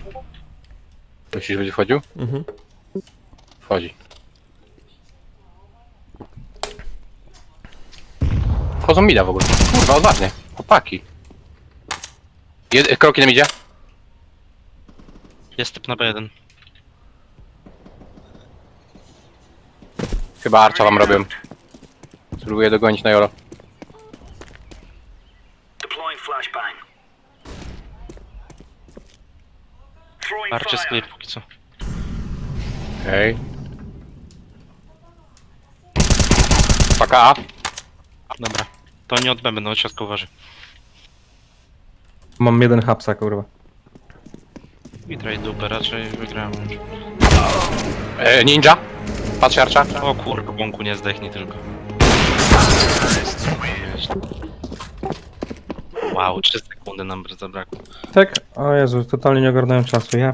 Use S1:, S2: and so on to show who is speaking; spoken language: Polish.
S1: Myślisz, że będzie wchodził?
S2: Mhm.
S1: Wchodzi. Wchodzą mida w ogóle. Kurwa, odważnie. Chłopaki. Kroki nam idzie.
S3: Jest typ na B1.
S1: Chyba Archa wam robią. Spróbuję dogonić na Jolo.
S3: Arcie z clear póki co.
S1: Okej. Paka A.
S3: Dobra. To nie od B będą, od środka uważaj.
S2: Mam jeden hapsa, kurwa.
S3: I trade dupę, raczej wygrałem już.
S1: Ninja. Patrz Archa.
S3: O kurwa, bąku nie zdechnij tylko. Wow, 3 sekundy nam zabrakło.
S2: Tak? O Jezu, totalnie nie ogarnąłem czasu, ja